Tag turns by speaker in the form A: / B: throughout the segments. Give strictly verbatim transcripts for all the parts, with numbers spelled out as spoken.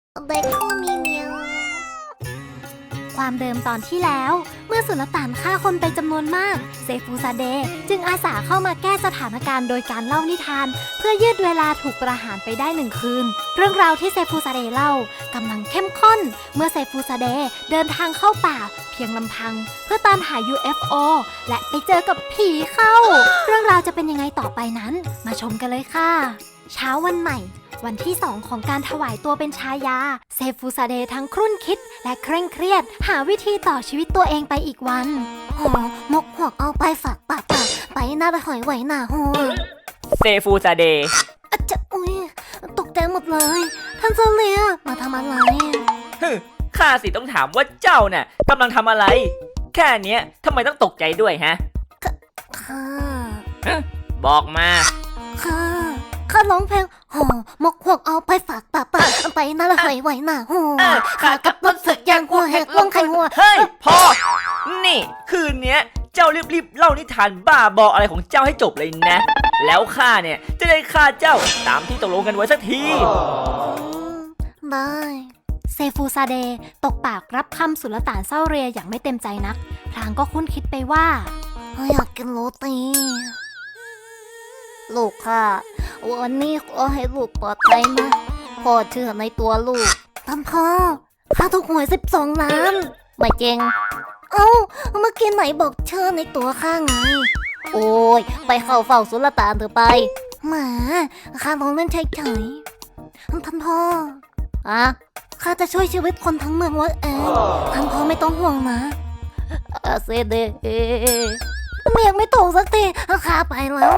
A: เด็กข้ามีเมีย
B: ความเดิมตอนที่แล้วเมื่อสุลต่านฆ่าคนไปจำนวนมากเซฟูซาเดย์จึงอาสาเข้ามาแก้สถานการณ์โดยการเล่านิทานเพื่อยืดเวลาถูกประหารไปได้หนึ่งคืนเรื่องราวที่เซฟูซาเดย์เล่ากำลังเข้มข้นเมื่อเซฟูซาเดย์เดินทางเข้าป่าเพียงลำพังเพื่อตามหา ยู เอฟ โอ และไปเจอกับผีเข้าเรื่องราวจะเป็นยังไงต่อไปนั้นมาชมกันเลยค่ะเช้าวันใหม่วันที่สองของการถวายตัวเป็นชายาเซฟูซาเดย์ทั้งครุ่นคิดและเคร่งเครียดหาวิธีต่อชีวิตตัวเองไปอีกวัน
A: หอมกหวกเอาไปฝากปากปากไปหน้าไปหอยไหวหน้าหัว
C: เซฟูซาเดย์
A: อาจจะอุ้ยตกใจหมดเลยท่านเซเลียมาทำอะไร
C: ฮึข้าสิต้องถามว่าเจ้าน่ะกำลังทำอะไรแค่เนี้ยทำไมต้องตกใจด้วยฮะ
A: ค่ะ
C: บอกมา
A: ค่ะข้าร้องเพลงหอมกหวกเอาไปฝากปากปากไปหน้าไปหอยไหวหน้าหัวข้ากับรถสึกยางหัวแหกลงไข่หัว
C: เฮ้ยพอนี่คืนเนี้ยเจ้ารีบๆเล่านิทานบ้าบออะไรของเจ้าให้จบเลยนะแล้วข้าเนี่ยจะได้ฆ่าเจ้าตามที่ตกลงกันไว้สักที
A: ได้
B: เซฟูซาเดย์ตกปากรับคำสุลต่านเศร้าเรียอย่างไม่เต็มใจนักพลางก็คุ้นคิดไปว่า
A: อยากกินโรตีลูกค่ะวันนี้ขอให้ลูกปลอดภัยนะพ่อเชื่อในตัวลูกท่านพ่อข้าถูกหวยสิบสองล้านไม่เจงเอ้าเมื่อกี้ไหนบอกเชื่อในตัวข้าไงโอ้ยไปเข้าเฝ้าสุลต่านเถอะไปหมาข้าลองเล่นเฉยๆท่านพ่ออะข้าจะช่วยชีวิตคนทั้งเมืองไว้เองท่านพ่อไม่ต้องห่วงนะอาเซเดเอเมียงไม่ตกสักทีข้าไปแล้ว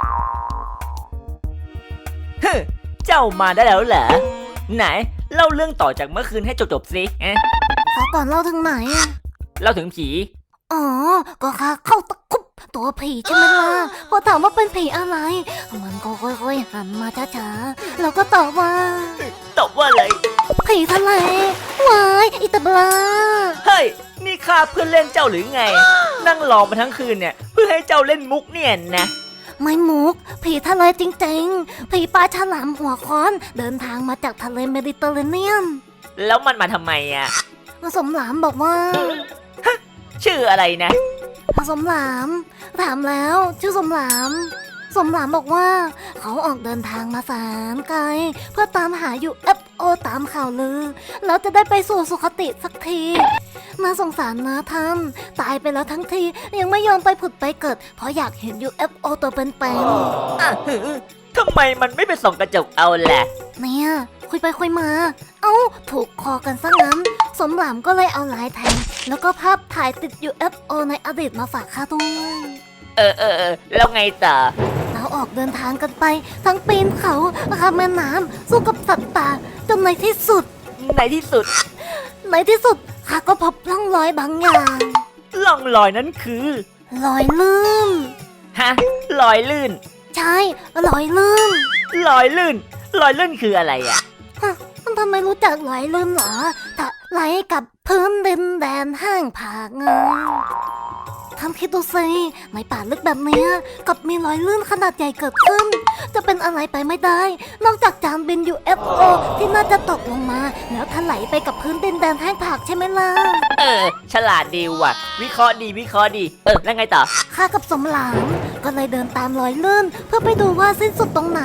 C: เจ้ามาได้แล้วเหรอไหนเล่าเรื่องต่อจากเมื่อคืนให้จบๆสิ
A: ขอก่อนเล่าถึงไหน
C: เล่าถึงผี
A: อ๋อก็ค่ะเข้าตะคุบตัวผีใช่ไหมล่ะพอถามว่าเป็นผีอะไรมันก็ค่อยๆหันมาช้าๆแล้วก็ตอบว่า
C: ตอบว่าอะไร
A: ผีทะเลวายอิตาบลา
C: เฮ้ยนี่ข้าเพื่อนเล่นเจ้าหรือไงนั่งรอมาทั้งคืนเนี่ยเพื่อให้เจ้าเล่นมุกเนี่ยนะ
A: ไม่มุกผีทะเลจริงๆผีปลาฉลามหัวค้อนเดินทางมาจากทะเลเมดิเตอร์เรเนียน
C: แล้วมันมาทำไมอ่ะ
A: สมหลามบอกว่า
C: ชื่ออะไรนะ
A: สมหลามถามแล้วชื่อสมหลามสมหลามบอกว่าเขาออกเดินทางมาแสนไกลเพื่อตามหา ยู เอฟ โอ ตามข่าวลือแล้วจะได้ไปสู่สุคติสักทีน่าสงสารนะท่านตายไปแล้วทั้งทียังไม่ยอมไปผุดไปเกิดเพราะอยากเห็น ยู เอฟ โอ ตัวเป็นๆ
C: อ่ะทำไมมันไม่ไปส่องกระจกเอาแหละ
A: เนี่ยคุยไปคุยมาเอ้าถูกคอกันซะงั้นสมหลามก็เลยเอาลายแทงแล้วก็ภาพถ่ายติด ยู เอฟ โอ ในอดีตมาฝากข้าด้วย
C: เออเออเออแล้วไงต่อ
A: เราออกเดินทางกันไปทั้งปีนเขาข้ามแม่น้ำสู้กับสัตว์ป่าจนในที่สุด
C: ในที่สุด
A: ในที่สุดข้าก็พบร่องรอยบางอย่าง
C: ร่องรอยนั้นคือ
A: รอยลื่น
C: ฮะรอยลื่น
A: ใช่รอยลื่น
C: รอยลื่นรอยลื่นคืออะไรอ่ะ
A: มันทำไมรู้จักรอยลื่นเหรอถ้าไหลกับพื้นดินแดนห้างผากเงาท่านคิดดูสิในป่าลึกแบบนี้กับมีรอยลื่นขนาดใหญ่เกิดขึ้นจะเป็นอะไรไปไม่ได้นอกจากจานบิน ยู เอฟ โอ ที่น่าจะตกลงมาแล้วถลายไปกับพื้นดินแดนแห้งผากใช่ไหมล่ะ
C: เออฉลาดดีว่ะวิเคราะห์ดีวิเคราะห์ดีเออแล้วไงต่อ
A: ข้ากับสมหลามก็เลยเดินตามรอยลื่นเพื่อไปดูว่าสิ้นสุดตรงไหน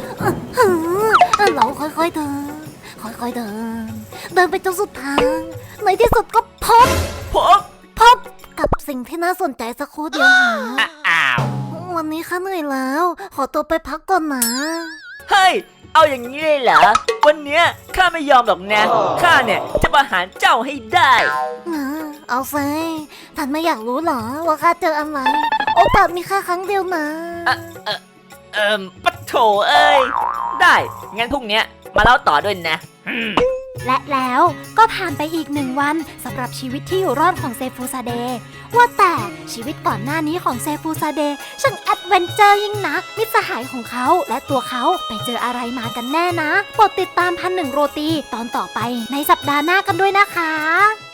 A: เราค่อยๆเดินค่อยๆเดินเดินไปจนสุดทางในที่สุดก็พบ
C: พบ
A: พบกับสิ่งที่น่าสนใจสักครู่เดียว
C: หาอ้าว
A: วันนี้ข้าเหนื่อยแล้วขอตัวไปพักก่อนนะ
C: เฮ้ยเอาอย่างนี้เลยเหรอวันเนี้ยข้าไม่ยอมหรอกนะข้าเนี่ยจะประหารเจ้าให้ได้
A: เอาซิท่านไม่อยากรู้หรอว่าข้าเจออะไรโอกาสมีแค่ครั้งเดียวนะ
C: เออเออเออปัดโถเอ้ยได้งั้นพรุ่งนี้มาเล่าต่อด้วยนะ
B: และแล้วก็ผ่านไปอีกหนึ่งวันสำหรับชีวิตที่อยู่รอดของเซฟูซาเดย์ว่าแต่ชีวิตก่อนหน้านี้ของเซฟูซาเดย์ช่างแอดเวนเจอร์ยิ่งนักมิตรสหายของเขาและตัวเขาไปเจออะไรมากันแน่นะโปรดติดตามพันหนึ่งโรตีตอนต่อไปในสัปดาห์หน้ากันด้วยนะคะ